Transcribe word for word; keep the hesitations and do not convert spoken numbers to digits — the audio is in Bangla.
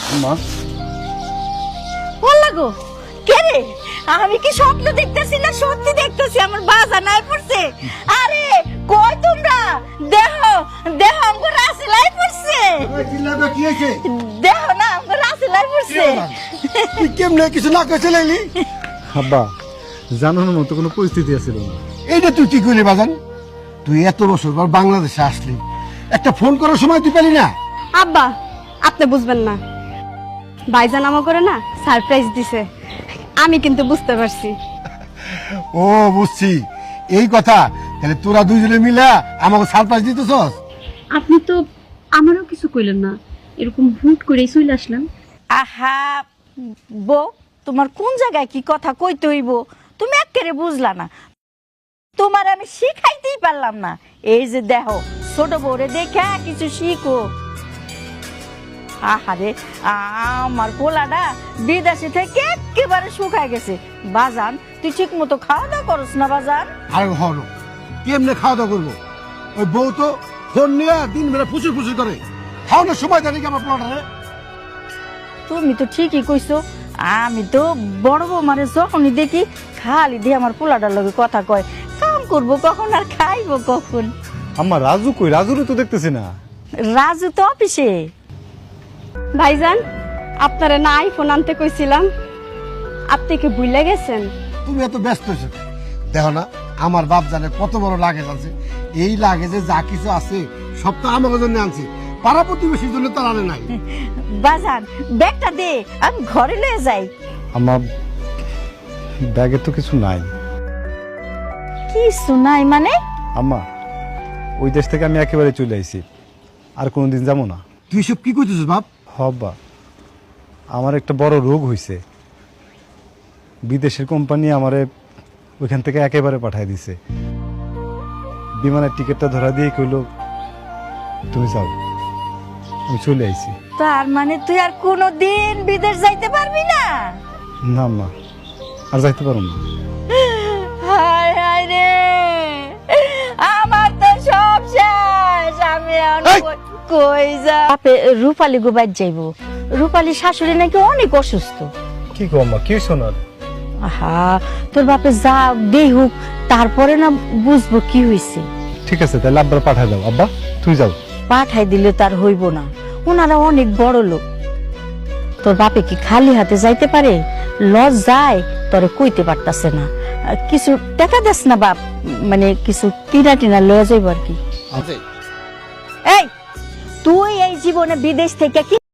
মা বল গো কে রে? আমি কি স্বপ্ন দেখতেছি না সত্যি দেখতেছি? আমার বাজা নাই পড়ছে। আরে কই তোমরা? দেহ দেহ আমার রাসেলাই পড়ছে। ওই চিল্লাবে কি হয়েছে? দেহ না আমার রাসেলাই পড়ছে। তুই কেমনে কিছু না কইছে লাইলি? আব্বা জানানোর মতো কোনো পরিস্থিতি আছিল না। এইটা তুই কি করলি বাজান? তুই এত বছর পর বাংলাদেশে আসলি, একটা ফোন করার সময় তুই পেলি না? আব্বা আপনি বুঝবেন না, ভাইজান আমা করে না সারপ্রাইজ দিছে, আমি কিন্তু বুঝতে পারছি। ও বুঝছি, এই কথা। তাহলে তোরা দুইজনে মিলে আমাকে সারপ্রাইজ দিতেছস? আপনি তো আমারও কিছু কইলেন না, এরকম হুট করে চলে আসলেন। আহা বউ, তোমার কোন জায়গায় কি কথা কইতে হইব তুমি একেবারে বুঝলা না। তোমার আমি শিখাইতেই পারলাম না। এই যে দেখো ছোট বউরে দেখে কিছু শিখো। আহারে আমার পোলাটা বিদেশে থেকে একেবারে শুকায় গেছে। বাজান তুই ঠিক মতো খাওয়া দাওয়া করস না বাজান? আর হলো কেমনে খাওয়া দাওয়া করবো? ওই বউ তো ফোন নিয়ে দিন বেলা ফুসুর ফুসুর করে, খাওয়ানোর সময় দেয় নাকি আমার প্লটারে? তুমি তো ঠিকই কইছো। আমি তো বড় বউ মানে যখনই দেখি খালি দিয়ে আমার পোলাটার লগে কথা কয়। কাম করবো কখন আর খাইবো কখন? আম্মা রাজু কই? রাজুরে তো দেখতেছি না। রাজু তো অফিসে। ভাইজান আপনারা না আইফোন আনতে কইছিলাম, আপনি কি ভুলে গেছেন? তুমি এত ব্যস্ত হয়েছো। দেখো না আমার বাপ জানে কত বড় লাগেজ আছে। এই লাগেজে যা কিছু আছে সব তো আমার জন্য আনছি, পাড়া প্রতিবেশীর জন্য তো আনে নাই। বাজান ব্যাগটা দে, আমি ঘরে লয়ে যাই। আম্মা ব্যাগে তো কিছু নাই। কিছু নাই মানে? আম্মা ওই দেশ থেকে আমি একেবারে চলে আইছি, আর কোনোদিন যাবো না। তুই সব কি করতেছিস বাপ? হব্বা আমার একটা বড় রোগ হইছে। বিদেশের কোম্পানি আমারে ওইখান থেকে একেবারে পাঠায় দিছে। বিমানের টিকিটটা ধরা দিয়ে কইলো তুমি যাও। আমি চলে আইছি। তার মানে তুই আর কোনোদিন বিদেশ যাইতে পারবি না? না আম্মা, আর যাইতে পারো না। হায় হায় রে, আমার তো সব শেষ। আমি এখন এই! কই- কই যা? বাপে রূপালী গোবাই যাইবো। রূপালী শাশুড়ি নাকি অনেক অসুস্থ। কি গো আম্মা, কি শোনার? আহা তোর বাপে যা দেহুক, তারপরে না বুঝবো কি হয়েছে। ঠিক আছে তাহলে আব্বার পাঠায় দাও। আব্বা তুই যাও। পাঠাই দিলে তার হইব না, ওনারা অনেক বড় লোক। তোর বাপে কি খালি হাতে যাইতে পারে? লজ যায় তোরে কইতে পারতাছে না। আহ, কিছু টাকা দেস না বাপ, মানে কিছু কিনা টিনা লয়ে যাইব আর কি। এই তুই এই জীবনে বিদেশ থেকে কি